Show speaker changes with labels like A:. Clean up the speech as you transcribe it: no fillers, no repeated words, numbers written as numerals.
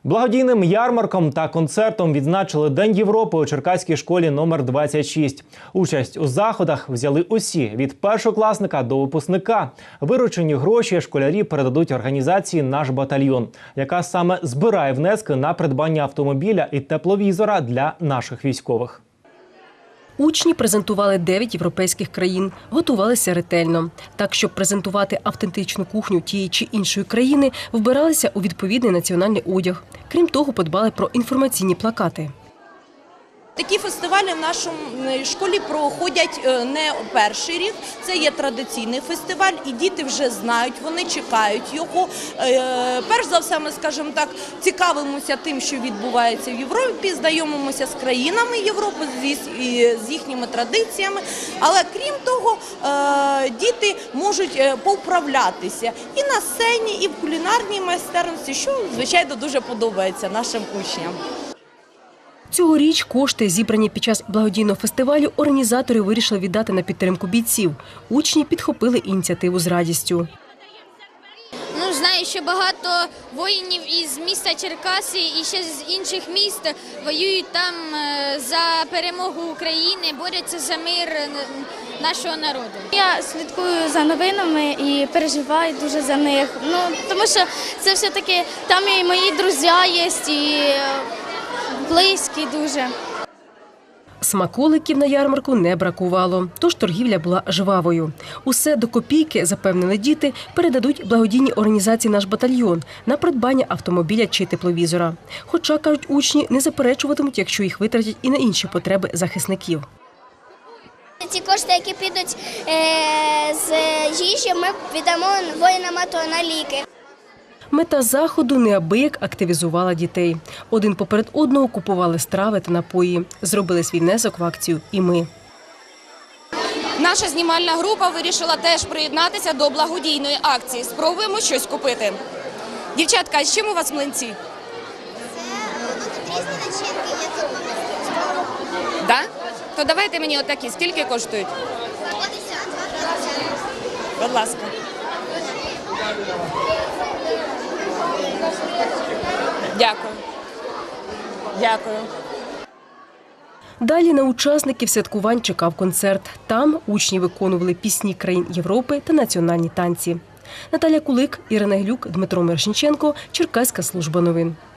A: Благодійним ярмарком та концертом відзначили День Європи у Черкаській школі номер 26. Участь у заходах взяли усі – від першокласника до випускника. Виручені гроші школярі передадуть організації «Наш батальйон», яка саме збирає внески на придбання автомобіля і тепловізора для наших військових.
B: Учні презентували 9 європейських країн, готувалися ретельно. Так, щоб презентувати автентичну кухню тієї чи іншої країни, вбиралися у відповідний національний одяг. Крім того, подбали про інформаційні плакати.
C: Такі фестивалі в нашій школі проходять не перший рік. Це є традиційний фестиваль, і діти вже знають, вони чекають його. Перш за все, ми, скажімо так, цікавимося тим, що відбувається в Європі, знайомимося з країнами Європи, з їхніми традиціями. Але крім того, діти можуть повправлятися і на сцені, і в кулінарній майстерності, що, звичайно, дуже подобається нашим учням.
B: Цьогоріч кошти, зібрані під час благодійного фестивалю, організатори вирішили віддати на підтримку бійців. Учні підхопили ініціативу з радістю.
D: Знаю, що багато воїнів із міста Черкаси і ще з інших міст воюють там за перемогу України, борються за мир нашого народу.
E: Я слідкую за новинами і переживаю дуже за них. Тому що це все-таки там і мої друзі є, і близькі дуже.
B: Смаколиків на ярмарку не бракувало, тож торгівля була жвавою. Усе до копійки, запевнили діти, передадуть благодійній організації «Наш батальйон» на придбання автомобіля чи тепловізора. Хоча, кажуть учні, не заперечуватимуть, якщо їх витратять і на інші потреби захисників.
F: Ці кошти, які підуть з їжі, ми віддамо воїнам АТО на ліки.
B: Мета заходу неабияк активізувала дітей. Один поперед одного купували страви та напої. Зробили свій внесок в акцію і ми.
G: Наша знімальна група вирішила теж приєднатися до благодійної акції. Спробуємо щось купити. Дівчатка, а з чим у вас млинці?
F: Це різні начинки, є тут магазин.
G: Так? То давайте мені отакі. Скільки коштують?
F: 50.
G: Будь ласка. Дякую. Дякую.
B: Далі на учасників святкувань чекав концерт. Там учні виконували пісні країн Європи та національні танці. Наталя Кулик, Ірина Глюк, Дмитро Мершенченко, Черкаська служба новин.